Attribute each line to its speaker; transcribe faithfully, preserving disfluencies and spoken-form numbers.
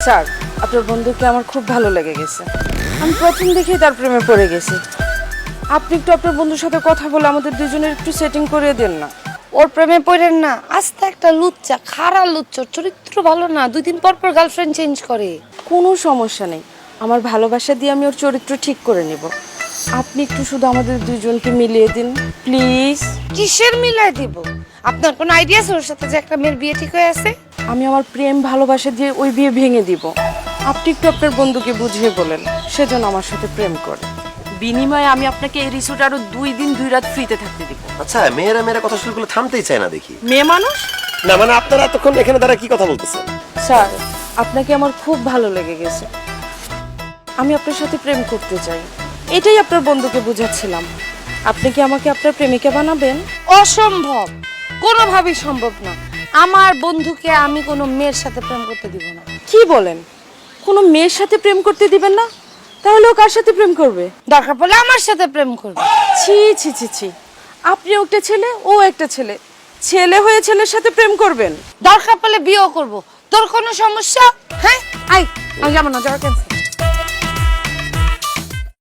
Speaker 1: Sir, আপনার বন্ধুকে আমার খুব ভালো লেগে গেছে। আমি প্রথম দেখেই তার প্রেমে পড়ে গেছি। আপনি একটু আপনার বন্ধুর সাথে কথা বলে আমাদের দুজনের একটু সেটিং করে দেন না।
Speaker 2: ওর প্রেমে পড়েন না, আস্তে একটা লুচ্চা, খারাপ লুচ্চা, চরিত্র ভালো না, দুই দিন পর পর গার্লফ্রেন্ড চেঞ্জ করে।
Speaker 1: কোনো সমস্যা নেই, আমার ভালোবাসা দিয়ে আমি ওর চরিত্র ঠিক করে নেব। আপনি একটু শুধু আমাদের দুজনকে মিলিয়ে দিন প্লিজ।
Speaker 2: কিসের মিলাই দিব? আপনার কোনো আইডিয়া আছে ওর সাথে যে একটা মেয়ের বিয়ে ঠিক হয়ে আছে?
Speaker 1: আমি আমার প্রেম ভালোবাসা দিয়ে ওই বিয়ে ভেঙে দিব। আপনি একটু আপনার বন্ধুকে বুঝিয়ে বলেন সেজন্য আমার সাথে প্রেম করে। বিনিময়ে আমি আপনাকে এই রিসোর্ট আরো দুই দিন দুই রাত ফ্রিতে থাকতে দিব।
Speaker 3: আচ্ছা, মেয়েরা মেয়েরা কথা শুরু করলে থামতেই চায় না দেখি।
Speaker 1: মেয়ে মানুষ
Speaker 3: না মানে আপনারা এতক্ষণ এখানে দাঁড়া কি কথা বলতেছেন?
Speaker 1: স্যার, আপনাকে আমার খুব ভালো লেগে গেছে। আমি আপনার সাথে প্রেম করতে চাই, এটাই আপনার বন্ধুকে বুঝাচ্ছিলাম। আপনি কি আমাকে আপনার প্রেমিকা বানাবেন?
Speaker 2: অসম্ভব, কোনোভাবেই সম্ভব না। আমার বন্ধুকে আমি কোনো মেয়ের সাথে প্রেম করতে দিব না।
Speaker 1: কি বলেন? কোনো মেয়ের সাথে প্রেম করতে দিবেন না? তাহলে ও কার সাথে প্রেম করবে?
Speaker 2: দরকার পড়লে আমার সাথে প্রেম করবে।
Speaker 1: ছি ছি ছি ছি, আপনি একটা ছেলে, ও একটা ছেলে, ছেলে হয়ে ছেলের সাথে প্রেম করবেন?
Speaker 2: দরকার পড়লে বিয়েও করব। তোর কোনো সমস্যা? হ্যাঁ, আই আমি যাবো না, যাওয়া ক্যান্সেল।